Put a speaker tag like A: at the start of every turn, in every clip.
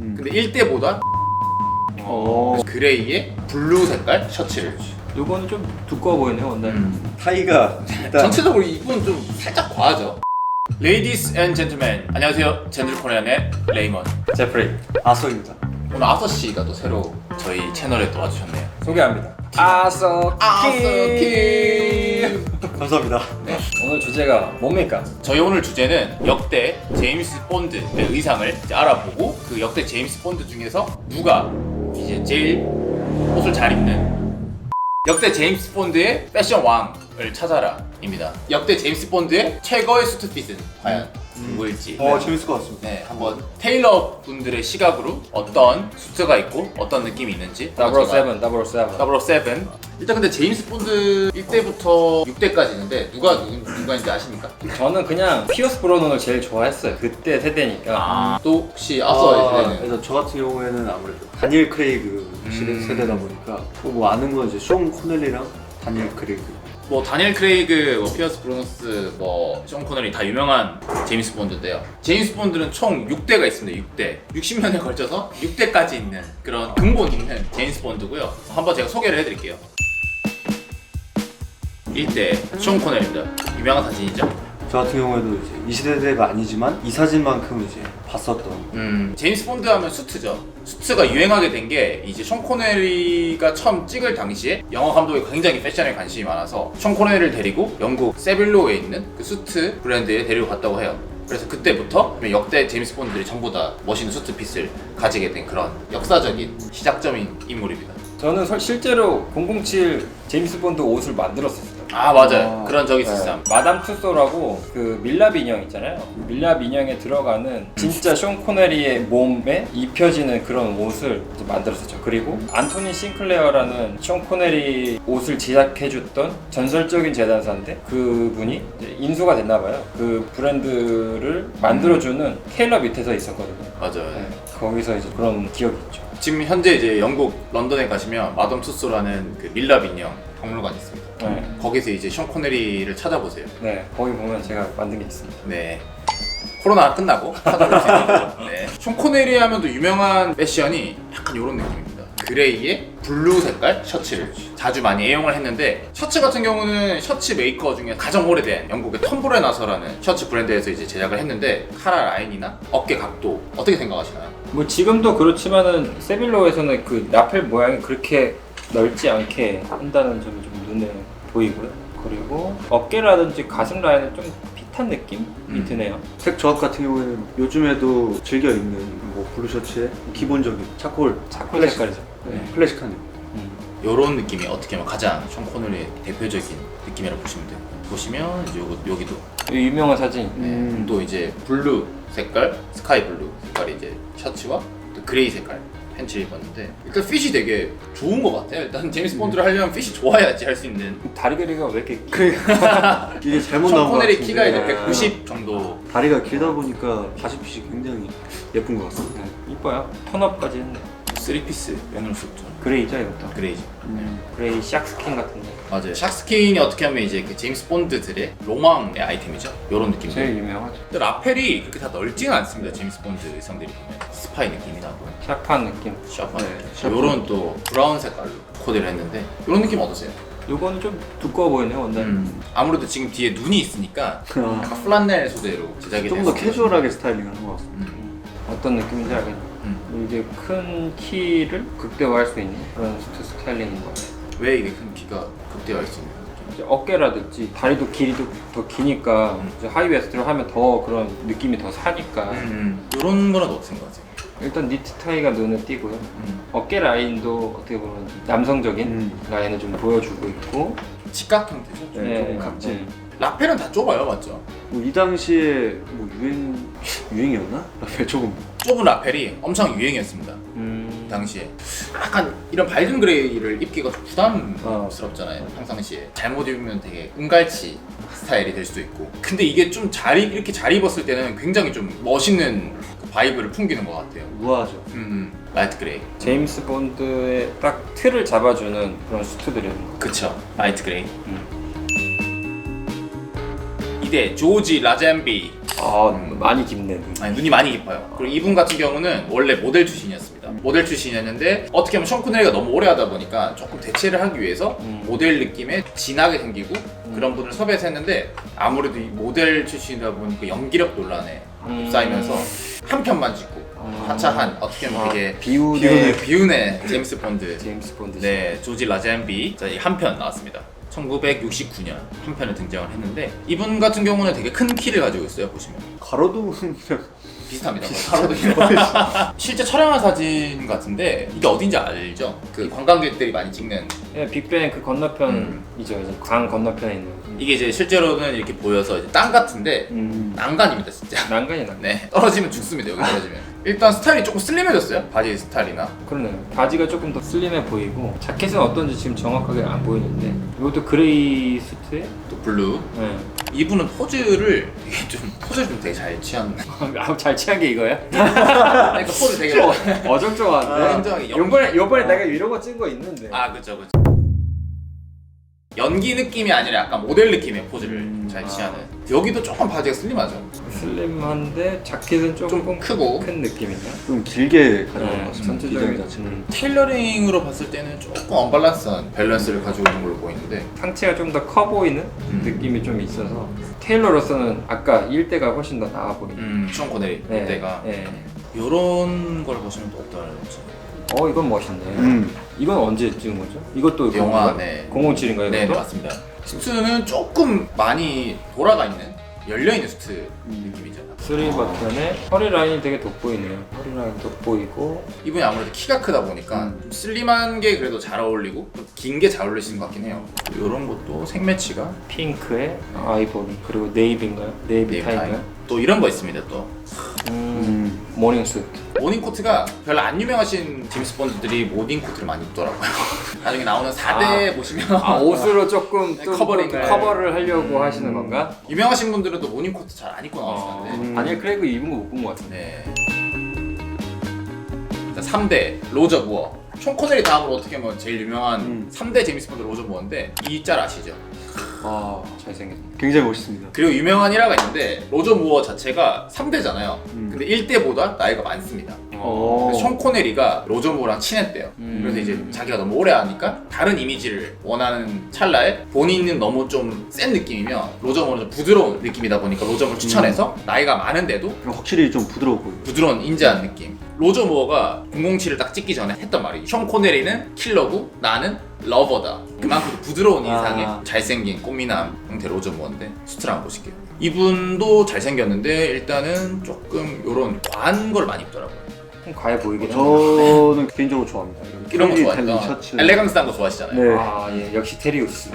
A: 근데 1대보다 그레이에 블루 색깔 셔츠를.
B: 요거는 좀 두꺼워 보이네요, 원단이.
C: 타이가 일단
A: 전체적으로 이건 좀 살짝 과하죠. Ladies and gentlemen, 안녕하세요. 젠들코리안의 레이먼
B: 제프리
C: 아서입니다.
A: 오늘 아서씨가 또 새로 저희 채널에 또 와주셨네요.
B: 소개합니다. 아서키.
C: 감사합니다.
A: 네.
B: 오늘 주제가 뭡니까?
A: 저희 오늘 주제는 역대 제임스 본드의 의상을 이제 알아보고 그 역대 제임스 본드 중에서 누가 이제 제일 옷을 잘 입는 역대 제임스 본드의 패션 왕을 찾아라입니다. 역대 제임스 본드의 최고의 수트핏은 과연 누구일지
C: 재밌을 것 같습니다.
A: 네, 한번 테일러 분들의 시각으로 어떤 수트가 있고 어떤 느낌이 있는지
B: 007.
A: 일단 근데 제임스 본드 1대부터 6대까지 있는데 누가인지 아십니까?
B: 저는 그냥 피어스 브로넌을 제일 좋아했어요. 그때 세대니까.
A: 또 혹시 앞서 세대는
C: 그래서 저 같은 경우에는 아무래도 다니엘 크레이그 세대다 보니까 뭐 아는 건 이제 숀 코넬리랑 다니엘 크레이그.
A: 뭐 다니엘 크레이그, 뭐 피어스 브로너스, 뭐 숀 코너리 다 유명한 제임스 본드인데요. 제임스 본드는 총 6대가 있습니다. 6대. 60년에 걸쳐서 6대까지 있는 그런 근본 있는 제임스 본드고요. 한번 제가 소개를 해드릴게요. 1대 숀 코넬입니다. 유명한 사진이죠.
C: 저 같은 경우에도 이제 이 세대가 아니지만 이 사진만큼 이제 봤었던.
A: 제임스 본드 하면 수트죠. 수트가 유행하게 된 게 이제 숀 코네리가 처음 찍을 당시에 영화 감독이 굉장히 패션에 관심이 많아서 숀 코네리를 데리고 영국 세빌로에 있는 그 수트 브랜드에 데리고 갔다고 해요. 그래서 그때부터 역대 제임스 본드들이 전부 다 멋있는 수트핏을 가지게 된 그런 역사적인 시작점인 인물입니다.
B: 저는 실제로 007 제임스 본드 옷을 만들었었어요.
A: 아 맞아요. 그런 적이 있었어요.
B: 마담 투소라고 그 밀랍 인형 있잖아요. 밀랍 인형에 들어가는 진짜 숀 코네리의 몸에 입혀지는 그런 옷을 이제 만들었었죠. 그리고 안토니 싱클레어라는 숀 코네리 옷을 제작해줬던 전설적인 재단사인데 그분이 이제 인수가 됐나봐요. 그 브랜드를 만들어주는 테일러 밑에서 있었거든요.
A: 맞아요.
B: 네, 거기서 이제 그런 기억이 있죠.
A: 지금 현재 이제 영국 런던에 가시면 마담 투소라는 그 밀랍 인형 박물관이 있습니다.
B: 네.
A: 거기서 이제 숀 코네리를 찾아보세요.
B: 네, 거기 보면 제가 만든 게 있습니다.
A: 네. 코로나 끝나고 찾아볼 수 있는 거죠. 네. 숀 코네리 하면 또 유명한 패션이 약간 이런 느낌입니다. 그레이에 블루 색깔 셔츠를 자주 많이 애용을 했는데 셔츠 같은 경우는 셔츠 메이커 중에 가장 오래된 영국의 텀브레 나서라는 셔츠 브랜드에서 이제 제작을 했는데 카라 라인이나 어깨 각도 어떻게 생각하시나요?
B: 뭐 지금도 그렇지만은 세빌로에서는 그 라펠 모양이 그렇게 넓지 않게 한다는 점이 좀 눈에 보이고요. 그리고 어깨라든지 가슴 라인은 좀 핏한 느낌이 드네요.
C: 색 조합 같은 경우에는 요즘에도 즐겨 입는 뭐 블루 셔츠에 기본적인 차콜
B: 색깔이죠. 네.
C: 클래식한 느낌.
A: 이런 느낌이 어떻게 보면 가장 숀 코네리의 대표적인 느낌이라고 보시면 돼요. 보시면 이제 여기도
B: 이 유명한 사진.
A: 또 이제 블루 색깔, 스카이 블루 색깔이 이제 셔츠와 또 그레이 색깔 팬츠를 입었는데 일단 핏이 되게 좋은 것 같아요. 일단 제임스 본드를 하려면 핏이 좋아야지 할 수 있는.
B: 다리 길이가 왜 이렇게
C: 이게 잘못
A: 숀
C: 나온 것
A: 코네리
C: 같은데
A: 키가 이제 190 정도.
C: 다리가 길다 보니까 바지핏이 굉장히 예쁜 것 같습니다.
B: 이뻐요. 턴업까지 했네.
A: 3피스 연을 줬죠.
B: 그레이죠 이것도.
A: 그레이죠.
B: 그레이 샥스킨 같은데.
A: 맞아요. 샥스킨이 어떻게 하면 이제 그 제임스 본드들의 로망의 아이템이죠. 이런 느낌이죠.
B: 제일 유명하죠.
A: 근데 라펠이 그렇게 다 넓지는 않습니다. 제임스 본드 의상들이 보면 스파이 느낌이 나고
B: 샤프한 느낌.
A: 샤프한
C: 네,
A: 느낌.
C: 샤프.
A: 요런 또 브라운 색깔로 코디를 했는데 이런 느낌 어떠세요?
B: 요거는 좀 두꺼워 보이네요 원단.
A: 아무래도 지금 뒤에 눈이 있으니까 약간 플란넬 소재로 제작이
C: 좀 더
A: 돼서
C: 캐주얼하게 스타일링하는 것 같습니다.
B: 어떤 느낌인지 알겠네요. 이게 큰 키를 극대화할 수 있는 그런 수트 스타일링인 것 같아요.
A: 왜 이게 큰 키가 극대화할 수 있는 거죠?
B: 이제 어깨라든지 다리도 길이도 더 기니까 이제 하이웨스트로 하면 더 그런 느낌이 더 사니까
A: 이런 거는 어떻게 생각하세요?
B: 일단 니트 타이가 눈에 띄고요. 어깨 라인도 어떻게 보면 남성적인 라인을 좀 보여주고 있고
A: 직각 형태죠? 좀
B: 네,
C: 각질.
A: 라펠은 다 좁아요, 맞죠?
C: 뭐 이 당시에 뭐 유행이었나? 라펠 조금
A: 좁은 라펠이 엄청 유행이었습니다. 당시에 약간 이런 밝은 그레이를 입기가 좀 부담스럽잖아요. 평상시에 잘못 입으면 되게 은갈치 스타일이 될 수도 있고. 근데 이게 좀 이렇게 잘 입었을 때는 굉장히 좀 멋있는 그 바이브를 풍기는 것 같아요.
C: 우아하죠.
A: 라이트 그레이.
B: 제임스 본드의 딱 틀을 잡아주는 그런 수트들이에요.
A: 그쵸. 라이트 그레이. 2대 조지 라젠비
B: 많이 깊네.
A: 아니, 눈이 많이 깊어요. 그리고 이분 같은 경우는 원래 모델 출신이었습니다. 모델 출신이었는데 어떻게 보면 션 코넬리가 너무 오래 하다 보니까 조금 대체를 하기 위해서 모델 느낌의 진하게 생기고 그런 분을 섭외해서 했는데 아무래도 이 모델 출신이다 보니까 연기력 논란에 쌓이면서 한 편만 찍고 하차한 어떻게 보면 되게 비운의 제임스 본드.
B: 제임스 본드.
A: 네, 조지 라젠비 한 편 나왔습니다. 1969년 한 편에 등장을 했는데 이분 같은 경우는 되게 큰 키를 가지고 있어요. 보시면
C: 가로도
A: 비슷합니다. 바로도 실제 촬영한 사진 같은데 이게 어딘지 알죠? 그 관광객들이 많이 찍는
B: 예, 빅뱅 그 건너편이죠. 이제 강 건너편에 있는.
A: 이게 이제 실제로는 이렇게 보여서 이제 땅 같은데 난간입니다 진짜.
B: 난간이 나.
A: 네, 떨어지면 죽습니다. 여기 떨어지면. 일단 스타일이 조금 슬림해졌어요. 바지 스타일이나.
B: 그러네요. 바지가 조금 더 슬림해 보이고 자켓은 어떤지 지금 정확하게 안 보이는데 이것도 그레이 수트에
A: 또 블루.
B: 네.
A: 이분은 포즈를 되게 잘 취한.
B: 잘 취한 게 이거야?
A: 그러니까 포즈 되게
B: 어정쩡한데.
A: 굉장히
B: 요번에 내가 이런 거 찍은 거 있는데.
A: 아 그쵸. 연기 느낌이 아니라 약간 모델 느낌의 포즈를 잘 취하는. 여기도 조금 바지가 슬림하죠.
B: 슬림한데 자켓은 조금
A: 좀 크고
B: 큰 느낌이냐?
C: 좀 길게 가져온
B: 네,
C: 것 같습니다.
B: 전체적인
C: 디자인 자체는.
A: 테일러링으로 봤을 때는 조금 언밸런스한 밸런스를 가지고 있는 걸로 보이는데
B: 상체가 좀 더 커 보이는 느낌이 좀 있어서 테일러로서는 아까 일대가 훨씬 더 나아 보이는.
A: 션 코넬리 때가
B: 네.
A: 요런 걸 보시면 또 어떨지.
B: 이건 멋있네. 이건 언제 찍은 거죠? 이것도
A: 영화,
B: 그건가요?
A: 네.
B: 007인가요?
A: 네, 맞습니다. 수트는 조금 많이 돌아가 있는 열려있는 수트 느낌이죠.
B: 3버튼에 허리 라인이 되게 돋보이네요. 허리 라인 돋보이고
A: 이분이 아무래도 키가 크다 보니까 좀 슬림한 게 그래도 잘 어울리고 긴 게 잘 어울리시는 것 같긴 해요. 이런 것도 색매치가
B: 핑크에 아이보리 그리고 네이비인가요? 네이비 타임인가요?
A: 또 이런 거 있습니다. 또
B: 모닝 수트.
A: 모닝 코트가 별로 안 유명하신 제임스 본드들이 모닝 코트를 많이 입더라고요. 나중에 나오는 4대 보시면
B: 옷으로 조금 또
A: 커버링을.
B: 커버를 하려고 하시는 건가?
A: 유명하신 분들은 또 모닝 코트 잘 안 입고 나오시는데
B: 다니엘 크레이그 입은 거 못 본 것 같은데.
A: 네. 자, 3대 로저 무어. 션 코넬리 다음으로 어떻게 보면 제일 유명한 3대 제임스 본드 로저 무어인데 이 짤 아시죠?
B: 잘생겼네.
C: 굉장히 멋있습니다.
A: 그리고 유명한 일화가 있는데 로저 무어 자체가 3대잖아요. 근데 1대보다 나이가 많습니다. 그래서 션 코넬리가 로저 무어랑 친했대요. 그래서 이제 자기가 너무 오래 하니까 다른 이미지를 원하는 찰나에 본인은 너무 좀 센 느낌이면 로저 무어는 좀 부드러운 느낌이다 보니까 로저 무어를 추천해서 나이가 많은데도
C: 확실히 좀 부드러워 보여요.
A: 부드러운 인자한 느낌. 로저 무어가 007을 딱 찍기 전에 했던 말이 션 코넬리는 킬러고 나는 러버다. 그만큼 부드러운 인상의 잘생긴 꽃미남 형태 로저 무어인데 수트를 한번 보실게요. 이분도 잘생겼는데 일단은 조금 요런 과한 걸 많이 입더라고요.
B: 좀 과해 보이긴 하네요.
C: 저는 개인적으로 좋아합니다.
A: 이런 거
C: 달린
A: 좋아해요.
C: 셔츠.
A: 엘레강스한 거 좋아하시잖아요.
C: 네.
B: 역시 테리우스.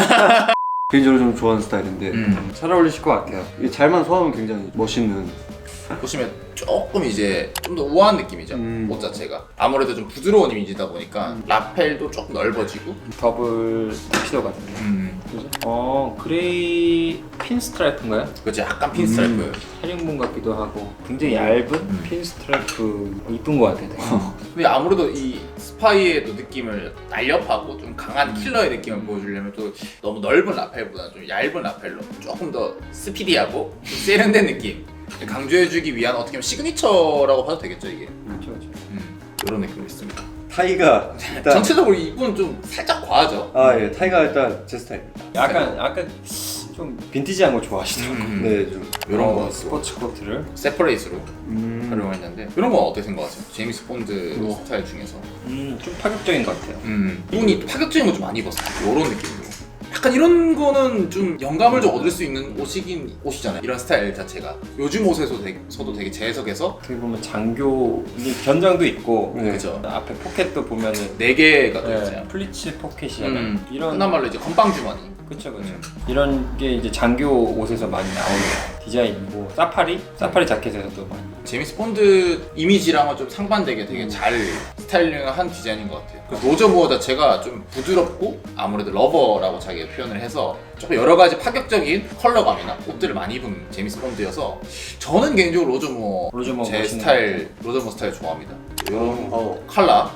C: 개인적으로 좀 좋아하는 스타일인데
B: 잘 어울리실 것 같아요.
C: 이게 잘만 소화하면 굉장히 멋있는.
A: 보시면 조금 이제 좀 더 우아한 느낌이죠. 옷 자체가 아무래도 좀 부드러운 이미지다 보니까 라펠도 조금 넓어지고
B: 더블 턱시도 같은데. 그죠? 그레이 핀 스트라이프인가요?
A: 그렇지 약간 핀 스트라이프.
B: 헤링본 같기도 하고 굉장히 얇은 핀 스트라이프 이쁜 것 같아요. 되게.
A: 근데 아무래도 이 스파이의 또 느낌을 날렵하고 좀 강한 킬러의 느낌을 보여주려면 또 너무 넓은 라펠보다는 좀 얇은 라펠로 조금 더 스피디하고 좀 세련된 느낌 강조해주기 위한 어떻게 보면 시그니처라고 봐도 되겠죠 이게.
B: 그렇죠.
A: 이런 느낌이 있습니다.
C: 타이가 일단
A: 전체적으로 이분 좀 살짝 과하죠.
C: 예, 타이가 일단 제 스타일입니다.
B: 약간 좀 빈티지한 거 좋아하시더라고요.
C: 네, 좀
A: 이런 거
B: 스포츠 코트를.
A: 세퍼레이트로 활용했는데 이런 건 어떻게 생각하세요? 제임스 본드 스타일 중에서
B: 좀 파격적인 것 같아요.
A: 이분이 파격적인 거 좀 많이 입었어요. 이런 느낌으로. 약간 이런 거는 좀 영감을 좀 얻을 수 있는 옷이잖아요. 이런 스타일 자체가 요즘 옷에서도 되게 재해석해서
B: 어떻게 보면 장교 견장도 있고
A: 그죠.
B: 앞에 포켓도 보면은
A: 4개가 또 있잖아요.
B: 플리츠 포켓이잖아요. 이런
A: 흔한 말로 이제 건빵 주머니.
B: 그쵸. 이런 게 이제 장교 옷에서 많이 나오는 디자인이고 사파리 자켓에서도 많이.
A: 제임스 본드 이미지랑은 좀 상반되게 되게 잘 스타일링한 디자인인 것 같아요. 그리고 로저 무어 자체가 좀 부드럽고 아무래도 러버라고 자기가 표현을 해서 조금 여러 가지 파격적인 컬러감이나 옷들을 많이 입은 제임스 본드여서 저는 개인적으로 로저 무어 제 스타일 로저 무어 스타일 좋아합니다. 이런 컬러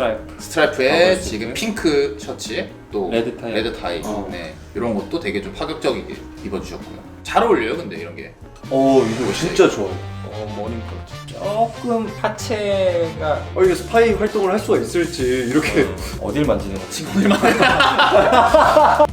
A: 스트라이프에 지금 핑크 셔츠에 또 레드 타이 네, 이런 것도 되게 좀 파격적이게 입어주셨고요. 잘 어울려요 근데 이런 게.
C: 이거 진짜 좋아요.
B: 머닝콜 조금 파체가
C: 이게 스파이 활동을 할 수가 있을지 이렇게
B: 어딜 만지는 거지?
A: 친구들만